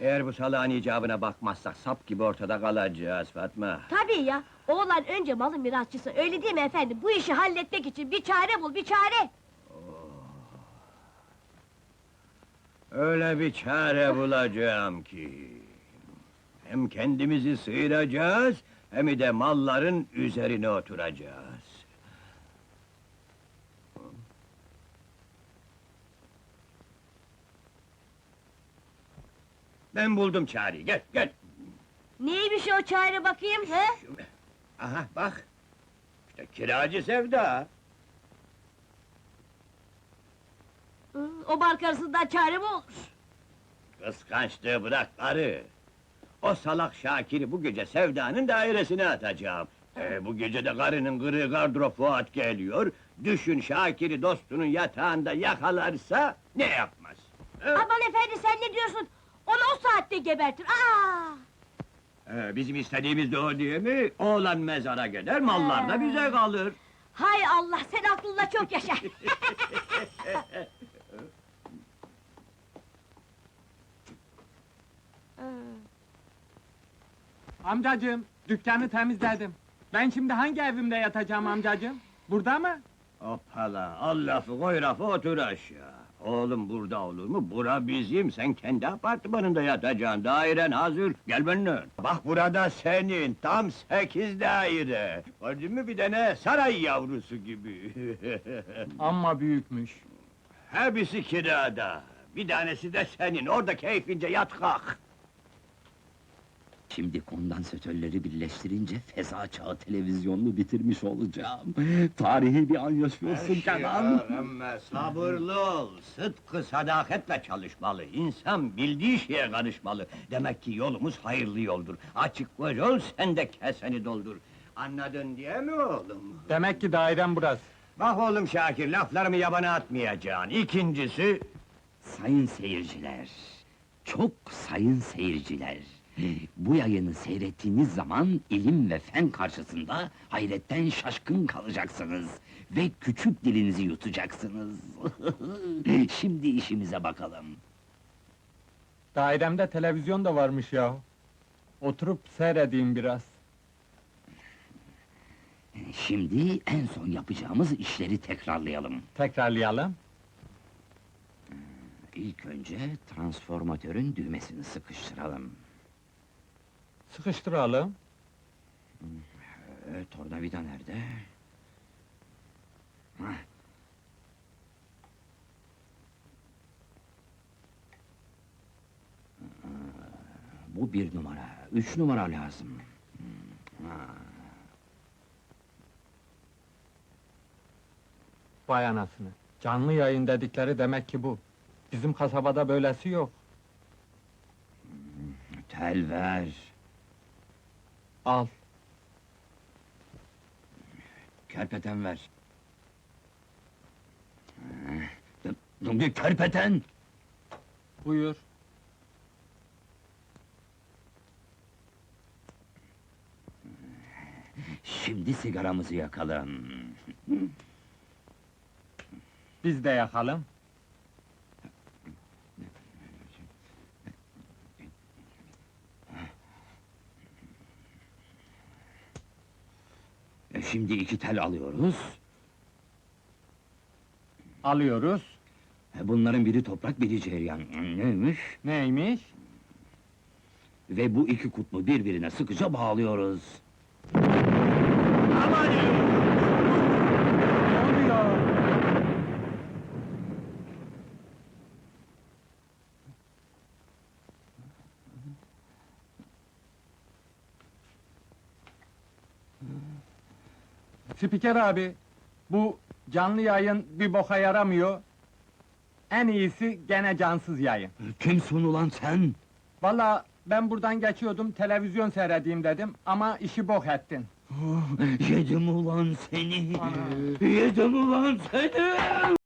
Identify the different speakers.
Speaker 1: Eğer bu salağın icabına bakmazsak sap gibi ortada kalacağız Fatma.
Speaker 2: Tabii ya, oğlan önce malın mirasçısı, öyle değil mi efendim? Bu işi halletmek için bir çare bul, bir çare!
Speaker 1: Öyle bir çare bulacağım ki... Hem kendimizi sıyıracağız, hem de malların üzerine oturacağız. Ben buldum çareyi, gel, gel!
Speaker 2: Neymiş o çare bakayım, he?
Speaker 1: Aha, bak! İşte kiracı Sevda!
Speaker 2: O bark arasından çare mi olur?
Speaker 1: Kıskançlığı bırak karı! O salak Şakir'i bu gece Sevda'nın dairesine atacağım. Bu gece de karının kırığı gardırop Fuat geliyor. Düşün Şakir'i dostunun yatağında yakalarsa ne yapmaz?
Speaker 2: Aman efendi, sen ne diyorsun? Onu o saatte gebertir,
Speaker 1: Bizim istediğimiz de o değil mi? Oğlan mezara gider, mallar da bize kalır.
Speaker 2: Hay Allah, sen aklınla çok yaşa!
Speaker 3: Amcacığım, dükkanı temizledim. Ben şimdi hangi evimde yatacağım amcacığım? Burada mı?
Speaker 1: Hoppala, al lafı koy rafı otur aşağı. Oğlum burada olur mu? Bura bizim, sen kendi apartmanında yatacaksın, dairen hazır, gel benimle. Bak burada senin, tam 8 daire. Gördün mü bir tane saray yavrusu gibi.
Speaker 3: Amma büyükmüş.
Speaker 1: Hepsi kirada. Bir tanesi de senin, orada keyfince yat kalk.
Speaker 4: Şimdi kondansatörleri birleştirince feza çağı televizyonunu bitirmiş olacağım. Tarihi bir an yaşıyorsun Kenan.
Speaker 1: Ama sabırlı ol, sıdkı sadaketle çalışmalı. İnsan bildiği şeye karışmalı. Demek ki yolumuz hayırlı yoldur. Açık göz ol, sen de keseni doldur. Anladın diye mi oğlum?
Speaker 3: Demek ki dairem burası.
Speaker 1: Bak oğlum Şakir, laflarımı yabana atmayacaksın. İkincisi...
Speaker 4: Sayın seyirciler, çok sayın seyirciler. Bu yayını seyrettiğiniz zaman ilim ve fen karşısında hayretten şaşkın kalacaksınız ve küçük dilinizi yutacaksınız. Şimdi işimize bakalım.
Speaker 3: Dairemde televizyon da varmış ya. Oturup seyredeyim biraz.
Speaker 4: Şimdi en son yapacağımız işleri tekrarlayalım.
Speaker 3: Tekrarlayalım.
Speaker 4: İlk önce transformatörün düğmesini sıkıştıralım.
Speaker 3: Sıkıştıralım.
Speaker 4: Tornavida nerede? Hah. Bu 1 numara, 3 numara lazım.
Speaker 3: Vay anasını. Canlı yayın dedikleri demek ki bu. Bizim kasabada böylesi yok.
Speaker 4: Tel ver.
Speaker 3: Al.
Speaker 4: Kerpeten ver. Kerpeten!
Speaker 3: Buyur.
Speaker 4: Şimdi sigaramızı yakalım.
Speaker 3: Biz de yakalım.
Speaker 4: Şimdi 2 tel alıyoruz.
Speaker 3: Alıyoruz.
Speaker 4: Bunların biri toprak, biri cereyan. Neymiş?
Speaker 3: Neymiş?
Speaker 4: Ve bu 2 kutbu birbirine sıkıca bağlıyoruz.
Speaker 1: Aman!
Speaker 3: Ne oluyor? Spiker abi, bu canlı yayın bir boka yaramıyor. En iyisi gene cansız yayın.
Speaker 4: Kimsin ulan sen?
Speaker 3: Vallahi ben buradan geçiyordum, televizyon seyredeyim dedim ama işi bok ettin.
Speaker 4: Yedim ulan seni!
Speaker 3: Ana!
Speaker 4: Yedim ulan seni!